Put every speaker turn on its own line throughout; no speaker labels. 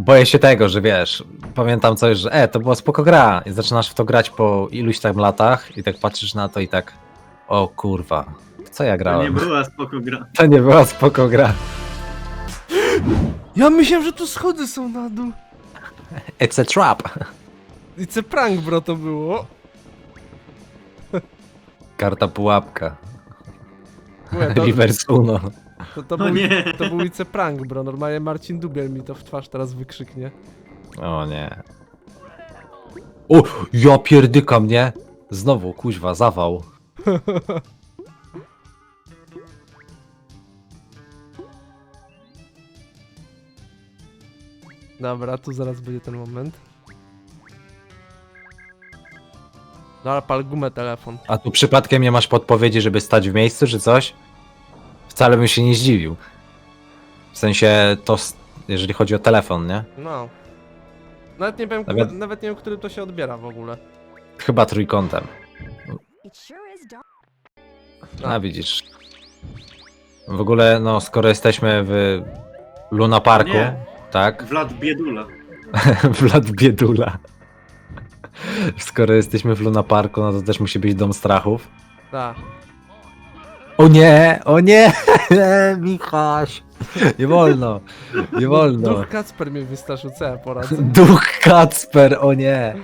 Boję się tego, że wiesz, pamiętam coś, że to była spoko gra i zaczynasz w to grać po iluś tam latach i tak patrzysz na to i tak, o kurwa, w co ja
To nie
grałem?
była spoko gra.
To nie była spoko gra.
Ja myślałem, że tu schody są na dół.
It's a trap.
It's a prank, bro, to było.
Karta pułapka.
Mówię,
Reverse Uno.
to
O
był,
nie.
to był it's a prank, bro. Normalnie Marcin Dubiel mi to w twarz teraz wykrzyknie.
O nie. O, ja pierdykam, nie? Znowu, kuźwa, zawał.
Dobra, tu zaraz będzie ten moment. Dobra, pal gumę telefon.
A tu przypadkiem nie masz podpowiedzi, żeby stać w miejscu, czy coś? Wcale bym się nie zdziwił. W sensie to, jeżeli chodzi o telefon, nie?
No. Nawet nie wiem, nawet nie wiem, który to się odbiera w ogóle.
Chyba trójkątem.
It sure is dark.
A widzisz. W ogóle, no, skoro jesteśmy w Luna Parku,
Nie.
tak?
Vlad Biedula.
Vlad Biedula. Skoro jesteśmy w Luna Parku, no to też musi być Dom Strachów.
Tak.
O nie! O nie! Michaś! Nie wolno! Nie wolno!
Duch Kacper mnie wystraszył, co ja poradzę?
Duch Kacper, o nie!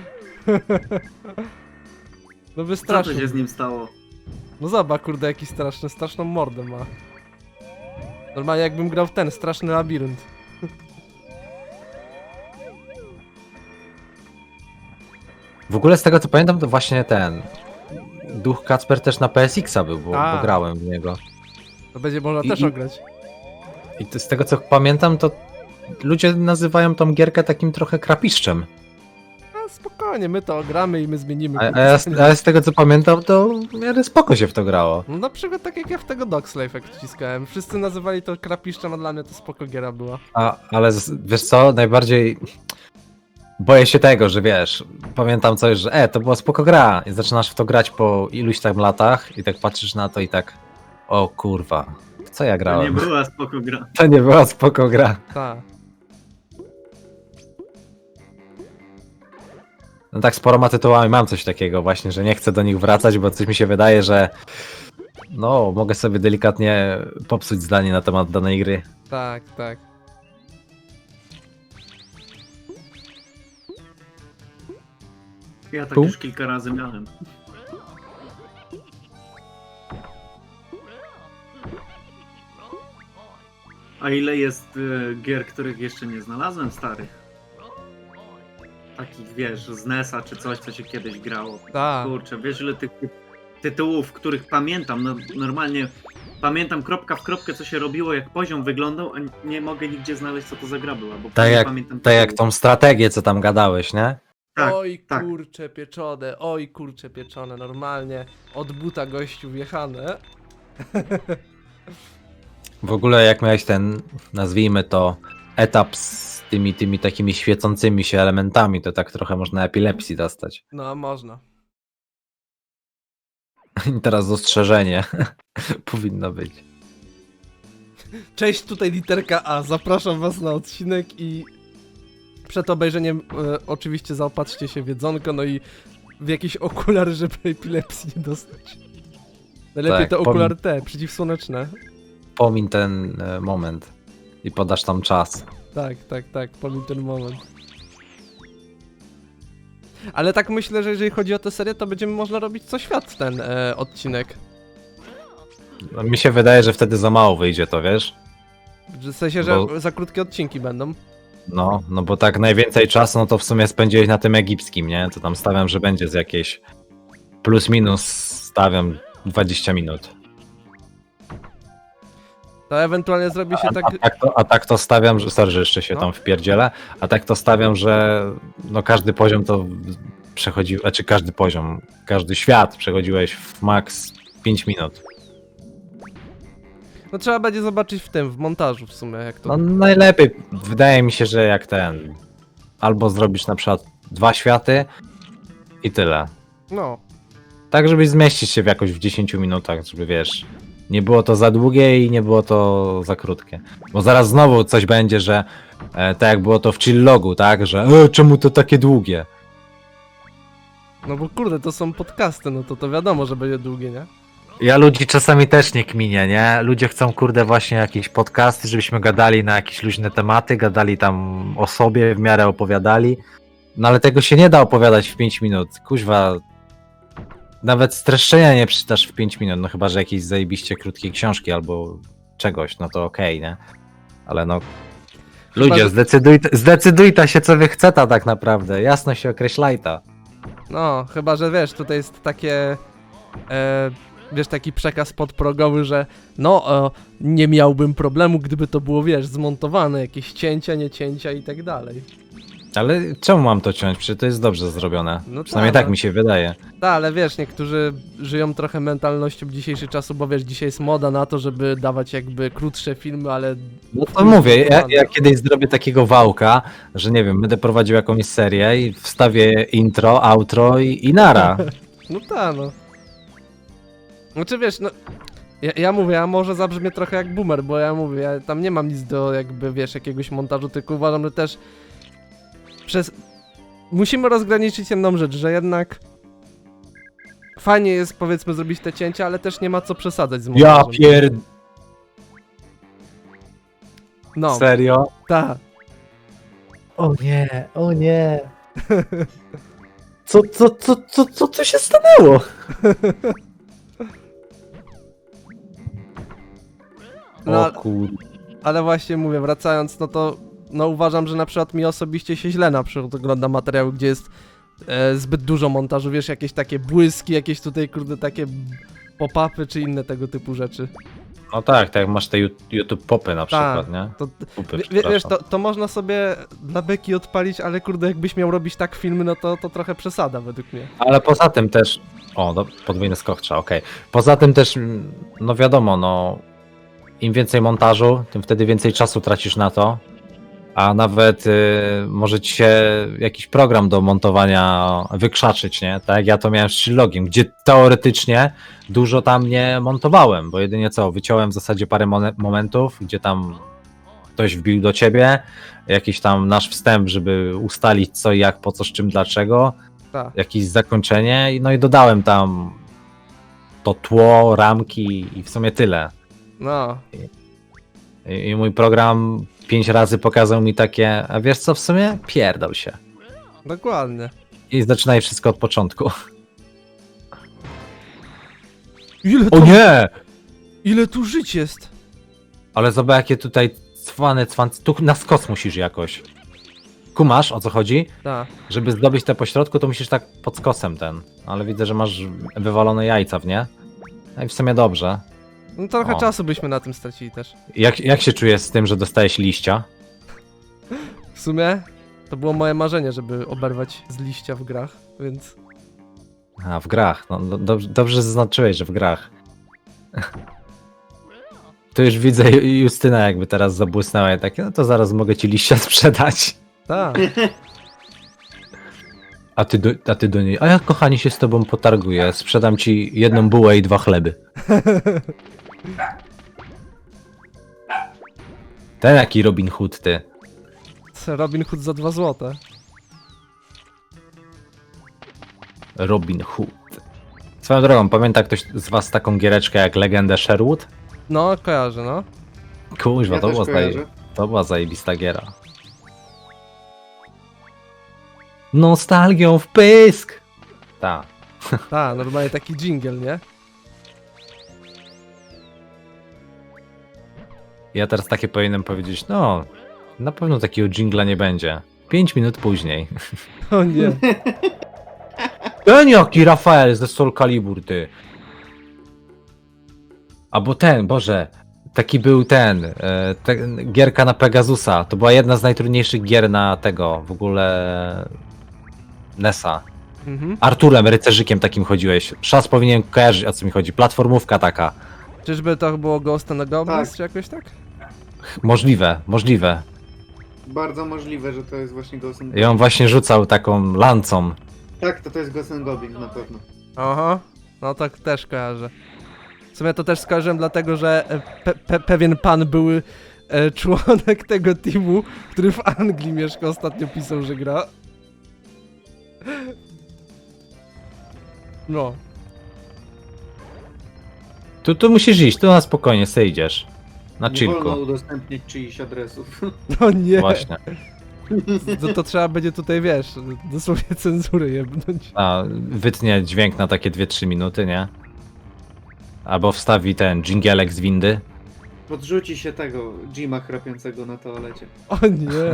No
Co
wystraszył.
to się z nim stało?
No zobacz, kurde, jaki straszną mordę ma. Normalnie jakbym grał w ten straszny labirynt.
W ogóle z tego co pamiętam, to właśnie ten Duch Kacper też na PSX-a był, bo grałem w niego.
To będzie można
I-
też
i-
ograć.
I z tego co pamiętam, to ludzie nazywają tą gierkę takim trochę krapiszczem.
A spokojnie, my to ogramy i my zmienimy.
A ja z tego co pamiętam, to w miarę spoko się w to grało.
No na przykład tak jak ja w tego Dogslave jak wciskałem. Wszyscy nazywali to krapiszczem, a dla mnie to spoko giera była.
Ale wiesz co, najbardziej boję się tego, że wiesz, pamiętam coś, że to była spoko gra i zaczynasz w to grać po iluś tam latach i tak patrzysz na to i tak, o kurwa, w co ja
To nie
grałem?
była spoko gra.
To nie była spoko gra.
Tak.
No tak z paroma tytułami mam coś takiego właśnie, że nie chcę do nich wracać, bo coś mi się wydaje, że no, mogę sobie delikatnie popsuć zdanie na temat danej gry.
Tak, tak.
Ja tak
Tu?
już kilka razy miałem. A ile jest gier, których jeszcze nie znalazłem, starych? Takich, wiesz, z NES-a czy coś, co się kiedyś grało.
Tak.
Kurczę, wiesz ile tych tytułów, których pamiętam, no, normalnie pamiętam kropka w kropkę, co się robiło, jak poziom wyglądał, a nie mogę nigdzie znaleźć, co to za gra była, bo nie pamiętam
Tak jak
tytułu.
tą strategię, co tam gadałeś, nie?
Tak,
Oj
tak.
kurcze pieczone, normalnie od buta gościu wjechane.
W ogóle jak miałeś ten, nazwijmy to, etap z tymi takimi świecącymi się elementami, to tak trochę można epilepsji dostać.
No, można.
I teraz ostrzeżenie powinno być.
Cześć, tutaj literka A. Zapraszam was na odcinek i przed obejrzeniem oczywiście zaopatrzcie się w jedzonko, no i w jakieś okulary, żeby epilepsji nie dostać. Najlepiej
Tak,
te okulary te, przeciwsłoneczne.
Pomiń ten moment i podasz tam czas.
Tak, pomimo ten moment. Ale tak myślę, że jeżeli chodzi o tę serię, to będziemy można robić co świat ten odcinek.
No, mi się wydaje, że wtedy za mało wyjdzie to, wiesz?
W sensie, że
Bo-
za krótkie odcinki będą.
No bo tak najwięcej czasu, no to w sumie spędziłeś na tym egipskim, nie? To tam stawiam, że będzie z jakieś plus minus, stawiam 20 minut.
To ewentualnie zrobi się tak...
A tak to stawiam, że sorry, że jeszcze się
No.
tam wpierdzielę, a tak to stawiam, że no każdy poziom to przechodzi, znaczy każdy poziom, każdy świat przechodziłeś w max 5 minut.
No trzeba będzie zobaczyć w montażu w sumie, jak to...
No najlepiej, wydaje mi się, że jak ten, albo zrobisz na przykład 2 światy i tyle.
No.
Tak, żebyś zmieścić się jakoś w 10 minutach, żeby wiesz, nie było to za długie i nie było to za krótkie. Bo zaraz znowu coś będzie, że Tak jak było to w Chillogu, tak? Że czemu to takie długie?
No bo kurde, to są podcasty, no to wiadomo, że będzie długie, nie?
Ja ludzi czasami też nie kminię, nie? Ludzie chcą, kurde, właśnie jakieś podcasty, żebyśmy gadali na jakieś luźne tematy, gadali tam o sobie, w miarę opowiadali. No ale tego się nie da opowiadać w 5 minut. Kuźwa, nawet streszczenia nie przeczytasz w 5 minut, no chyba, że jakieś zajebiście krótkie książki albo czegoś, no to okej, nie? Ale no... Ludzie,
że-
zdecydujta się, co wy chceta tak naprawdę. Jasno się określajta.
No, chyba, że wiesz, tutaj jest takie... wiesz, taki przekaz podprogowy, że nie miałbym problemu, gdyby to było, wiesz, zmontowane, jakieś cięcia, nie cięcia i tak dalej.
Ale czemu mam to ciąć? Przecież to jest dobrze zrobione.
No
Przynajmniej
tak,
tak mi się wydaje.
Tak, ale wiesz, niektórzy żyją trochę mentalnością dzisiejszych czasów, bo wiesz, dzisiaj jest moda na to, żeby dawać jakby krótsze filmy, ale...
No to mówię, ja kiedyś zrobię takiego wałka, że nie wiem, będę prowadził jakąś serię i wstawię intro, outro i nara.
No tak, no. Znaczy wiesz, no... Ja mówię, ja może zabrzmię trochę jak boomer, bo ja mówię, ja tam nie mam nic do jakby, wiesz, jakiegoś montażu, tylko uważam, że też musimy rozgraniczyć jedną rzecz, że jednak fajnie jest, powiedzmy, zrobić te cięcia, ale też nie ma co przesadzać z
Ja
montażem. No,
Serio?
tak.
O nie, o nie. Co tu się stanęło?
No,
O kurde.
ale właśnie mówię, wracając, no to uważam, że na przykład mi osobiście się źle na przykład ogląda materiały, gdzie jest zbyt dużo montażu, wiesz, jakieś takie błyski, jakieś tutaj, kurde, takie pop-upy czy inne tego typu rzeczy.
No tak jak masz te YouTube popy na
Tak.
przykład, nie?
To,
Pupy,
wiesz,
przepraszam.
to można sobie dla beki odpalić, ale kurde, jakbyś miał robić tak filmy, no to trochę przesada według mnie.
Ale poza tym też... O, podwójny skok trzeba, okej. Poza tym też, no wiadomo, no... Im więcej montażu, tym wtedy więcej czasu tracisz na to. A nawet może ci się jakiś program do montowania wykrzaczyć, nie? Tak jak ja to miałem z Chillogiem, gdzie teoretycznie dużo tam nie montowałem, bo jedynie co, wyciąłem w zasadzie parę momentów, gdzie tam ktoś wbił do ciebie, jakiś tam nasz wstęp, żeby ustalić co i jak, po co, z czym, dlaczego,
Tak.
jakieś zakończenie, no i dodałem tam to tło, ramki i w sumie tyle.
No,
I mój program 5 razy pokazał mi takie, a wiesz co, w sumie pierdol się.
dokładnie.
I zaczynaj wszystko od początku.
Ile
O nie!
ile tu żyć jest?
Ale zobacz jakie tutaj cwane, tu na skos musisz jakoś. Kumasz, o co chodzi?
Tak.
Żeby zdobyć te pośrodku, to musisz tak pod skosem ten. Ale widzę, że masz wywalone jajca w nie. No i w sumie dobrze.
No trochę
O.
czasu byśmy na tym stracili też.
Jak się czujesz z tym, że dostałeś liścia?
W sumie to było moje marzenie, żeby oberwać z liścia w grach, więc...
A, w grach. No, dobrze zaznaczyłeś, że w grach. To już widzę Justyna jakby teraz zabłysnęła i takie, no to zaraz mogę ci liścia sprzedać.
Tak.
A ty do niej, a ja kochani się z tobą potarguję, sprzedam ci jedną bułę i 2 chleby. Ten jaki Robin Hood ty.
Robin Hood za 2 złote.
Robin Hood. Swoją drogą, pamięta ktoś z was taką giereczkę jak Legendę Sherwood?
No, kojarzę, no.
Kuźwa,
Ja
to,
też
była
kojarzę.
to była zajebista giera. Nostalgią w pysk! Ta.
Tak, normalnie taki dżingiel, nie?
Ja teraz takie powinienem powiedzieć, no, na pewno takiego dżingla nie będzie. 5 minut później.
O nie.
Ten jaki Rafael ze Soul Calibur, ty. Albo ten, Boże, taki był gierka na Pegasusa. To była jedna z najtrudniejszych gier na tego, w ogóle NES-a.
Mhm.
Arturem, rycerzykiem takim chodziłeś. Szas powinien kojarzyć, o co mi chodzi. Platformówka taka.
Czyżby to było Ghost and the Goblins,
Tak.
czy jakoś tak?
Możliwe.
Bardzo możliwe, że to jest właśnie Ghost and
I on właśnie rzucał taką lancą.
Tak, to jest Ghost and Goblins na pewno.
Aha. No tak też kojarzę. W sumie to też skojarzyłem dlatego, że pewien pan był członek tego teamu, który w Anglii mieszka, ostatnio pisał, że gra. No.
Tu musisz iść, tu na spokojnie sobie idziesz. Na
Nie wolno
chillku.
udostępniać czyichś adresów.
No nie.
Właśnie.
To trzeba będzie tutaj, wiesz, dosłownie cenzurę jebnąć.
A, wytnie dźwięk na takie 2-3 minuty, nie? Albo wstawi ten dżingielek z windy.
Podrzuci się tego Jima chrapiącego na toalecie.
O nie.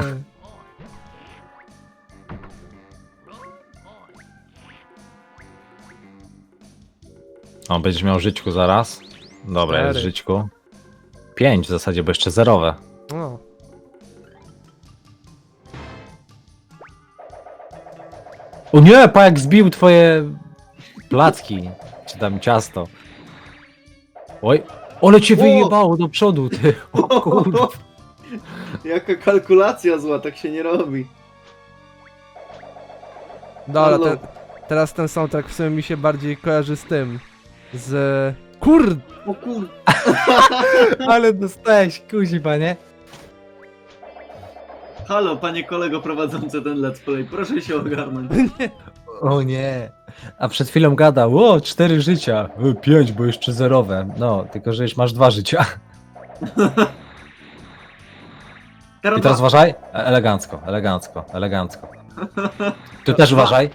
O, będziesz miał żyćku zaraz. Dobra, jest
4.
żyćku. 5 w zasadzie, bo jeszcze zerowe.
O.
O nie, pa jak zbił twoje placki. Czy tam ciasto. Oj, ale cię
O!
wyjebało do przodu, ty. O kurwa.
Jaka kalkulacja zła, tak się nie robi.
Dobra,
Halo.
teraz ten soundtrack w sumie mi się bardziej kojarzy z tym. Z... Kurde!
O kur...
Ale dostałeś, kuźwa, nie?
Halo, panie kolego prowadzący ten let's play, proszę się ogarnąć.
O nie. A przed chwilą gadał, o 4 życia. 5, bo jeszcze zerowe. No, tylko że już masz 2 życia. I teraz uważaj. Elegancko, elegancko, elegancko. Tu też uważaj.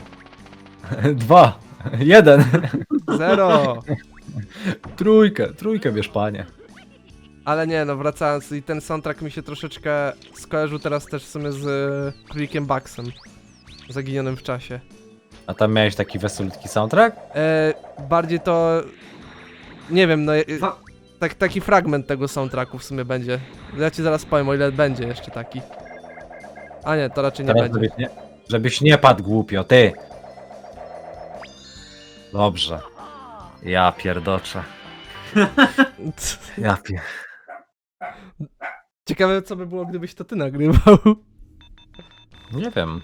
2, 1.
0!
Trójkę bierz, panie.
Ale nie, no wracając, i ten soundtrack mi się troszeczkę skojarzył teraz też w sumie z Królikiem Bugsem. Zaginionym w czasie.
A tam miałeś taki wesolutki soundtrack?
Bardziej to... Nie wiem, no...
Fa-
Taki fragment tego soundtracku w sumie będzie. Ja ci zaraz powiem, o ile będzie jeszcze taki. A nie, to raczej nie
Teraz
będzie.
żebyś nie padł głupio, ty. Dobrze. Ja pierdoczę. Ja pier...
Ciekawe co by było, gdybyś to ty nagrywał.
Nie wiem.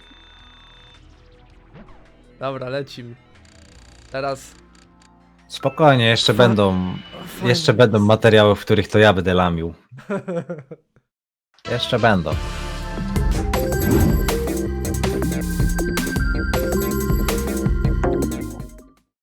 Dobra, lecimy. Teraz...
Spokojnie, jeszcze będą materiały, w których to ja będę lamił. Jeszcze będą.